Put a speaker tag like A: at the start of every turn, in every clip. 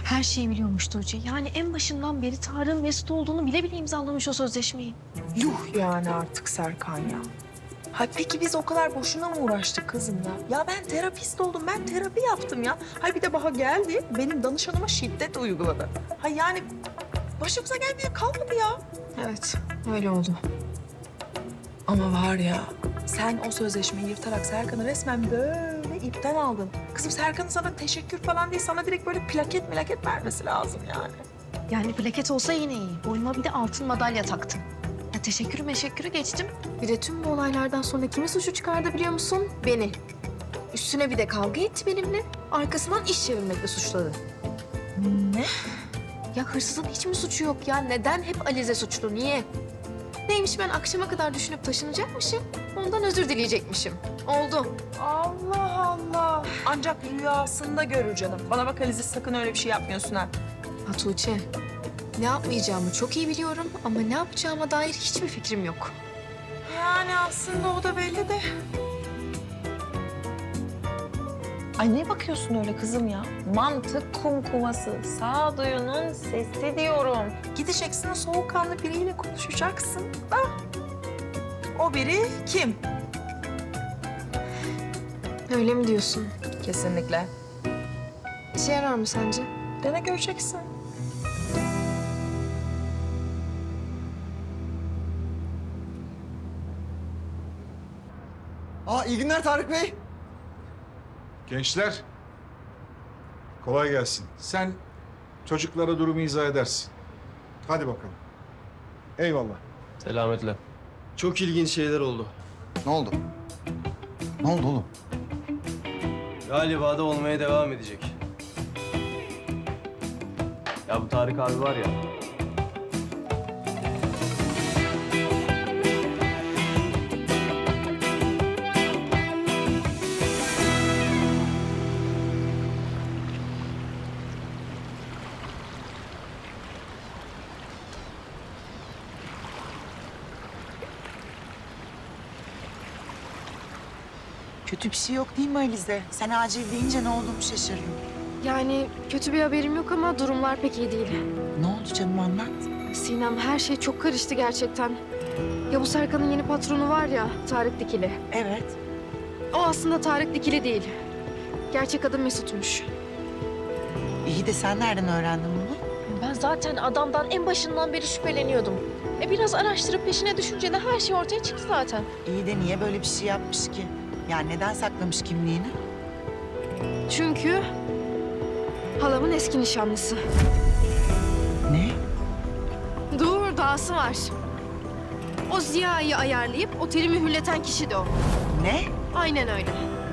A: Her şeyi biliyormuş Tuğçe. Yani en başından beri Tarık'ın Mesut olduğunu bile bile imzalamış o sözleşmeyi.
B: Yuh yani artık Serkan ya. Ha peki biz o kadar boşuna mı uğraştık kızım ya? Ya ben terapist oldum, ben terapi yaptım ya. Hay bir de Baha geldi, benim danışanıma şiddet uyguladı. Ha yani başımıza gelmeye kalmadı ya.
A: Evet, öyle oldu.
B: Ama var ya, sen o sözleşmeyi yırtarak Serkan'ı resmen böyle ipten aldın. Kızım Serkan'ın sana teşekkür falan değil, sana direkt böyle plaket vermesi lazım yani.
A: Yani plaket olsa yine iyi. Boynuma bir de altın madalya taktım. Ya teşekkürü geçtim. Bir de tüm bu olaylardan sonra kimi suçu çıkardı biliyor musun? Beni. Üstüne bir de kavga etti benimle. Arkasından iş çevirmekle suçladı.
B: Ne?
A: Ya hırsızın hiç mi suçu yok ya? Neden hep Alize suçlu? Niye? Neymiş ben akşama kadar düşünüp taşınacakmışım. Ondan özür dileyecekmişim. Oldu.
B: Allah Allah. Ancak rüyasında görür canım. Bana bak Alize, sakın öyle bir şey yapmıyorsun ha.
A: Ha Tuğçe, ne yapmayacağımı çok iyi biliyorum ama ne yapacağıma dair hiçbir fikrim yok.
B: Yani aslında o da belli de. Ay ne bakıyorsun öyle kızım ya? Mantık kumkuması, sağduyunun sesi diyorum. Gideceksin, soğukkanlı biriyle konuşacaksın da. O biri kim?
A: Öyle mi diyorsun?
B: Kesinlikle.
A: İşe yarar mı sence?
B: Dene göreceksin.
C: İyi günler Tarık Bey.
D: Gençler, kolay gelsin. Sen çocuklara durumu izah edersin. Hadi bakalım. Eyvallah.
E: Selametle.
C: Çok ilginç şeyler oldu. Ne oldu? Ne oldu oğlum?
E: Galiba da olmaya devam edecek. Ya bu Tarık abi var ya.
F: Kötü bir şey yok değil mi Alize? Sen acil deyince ne olduğumu şaşırdım.
A: Yani kötü bir haberim yok ama durumlar pek iyi değil.
F: Ne oldu canım, anlat.
A: Sinem, her şey çok karıştı gerçekten. Ya bu Serkan'ın yeni patronu var ya, Tarık Dikili.
F: Evet.
A: O aslında Tarık Dikili değil. Gerçek adı Mesut'muş.
F: İyi de sen nereden öğrendin bunu?
A: Ben zaten adamdan en başından beri şüpheleniyordum. Biraz araştırıp peşine düşünce de her şey ortaya çıktı zaten.
F: İyi de niye böyle bir şey yapmış ki? Yani neden saklamış kimliğini?
A: Çünkü halamın eski nişanlısı.
F: Ne?
A: Dur, dahası var. O Ziya'yı ayarlayıp oteli mühürleten kişi de o.
F: Ne?
A: Aynen öyle.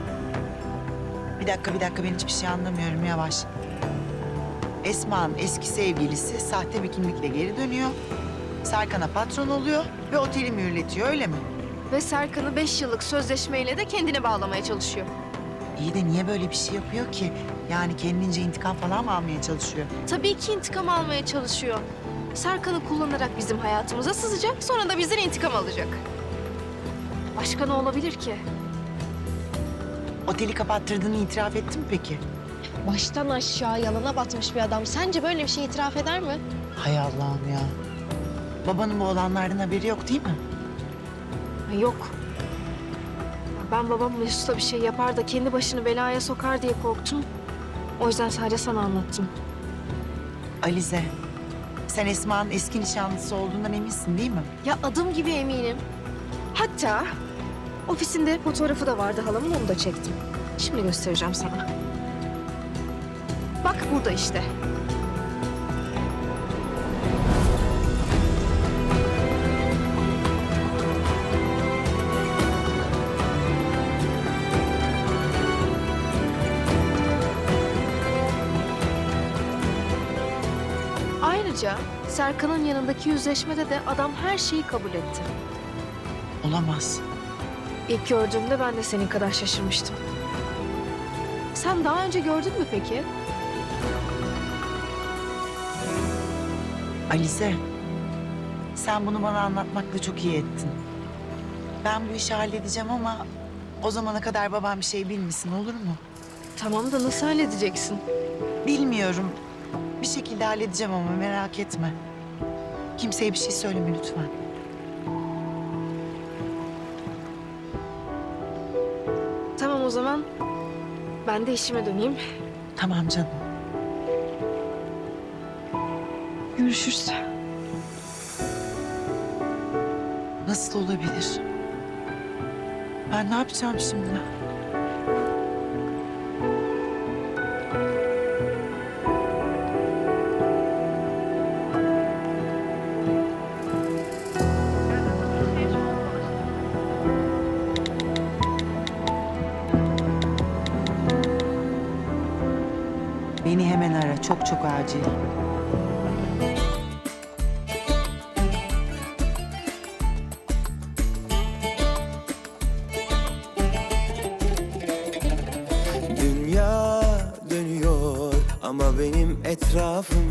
F: Bir dakika ben hiçbir şey anlamıyorum, yavaş. Esma'nın eski sevgilisi sahte bir kimlikle geri dönüyor. Serkan'a patron oluyor ve oteli mühürletiyor, öyle mi?
A: Ve Serkan'ı 5 yıllık sözleşmeyle de kendine bağlamaya çalışıyor.
F: İyi de niye böyle bir şey yapıyor ki? Yani kendince intikam falan mı almaya çalışıyor?
A: Tabii ki intikam almaya çalışıyor. Serkan'ı kullanarak bizim hayatımıza sızacak, sonra da bizden intikam alacak. Başka ne olabilir ki?
F: Oteli kapattırdığını itiraf etti mi peki?
A: Baştan aşağı yalana batmış bir adam. Sence böyle bir şey itiraf eder mi?
F: Hay Allah'ım ya. Babanın bu olanlardan haberi yok değil mi?
A: Yok. Ben babam Mesut'a bir şey yapar da kendi başını belaya sokar diye korktum. O yüzden sadece sana anlattım.
F: Alize, sen Esma'nın eski nişanlısı olduğundan eminsin değil mi?
A: Ya adım gibi eminim. Hatta ofisinde fotoğrafı da vardı halamın, onu da çektim. Şimdi göstereceğim sana. Bak burada işte. Ayrıca Serkan'ın yanındaki yüzleşmede de adam her şeyi kabul etti.
F: Olamaz.
A: İlk gördüğümde ben de senin kadar şaşırmıştım. Sen daha önce gördün mü peki?
F: Alize, sen bunu bana anlatmakla çok iyi ettin. Ben bu işi halledeceğim ama o zamana kadar babam bir şey bilmesin, olur mu?
A: Tamam da nasıl halledeceksin?
F: Bilmiyorum. bir şekilde halledeceğim ama merak etme. Kimseye bir şey söyleme lütfen.
A: Tamam o zaman. Ben de işime döneyim.
F: Tamam canım.
A: Görüşürüz.
F: Nasıl olabilir? Ben ne yapacağım şimdi? Beni hemen ara. Çok çok acil.
G: Dünya dönüyor ama benim etrafım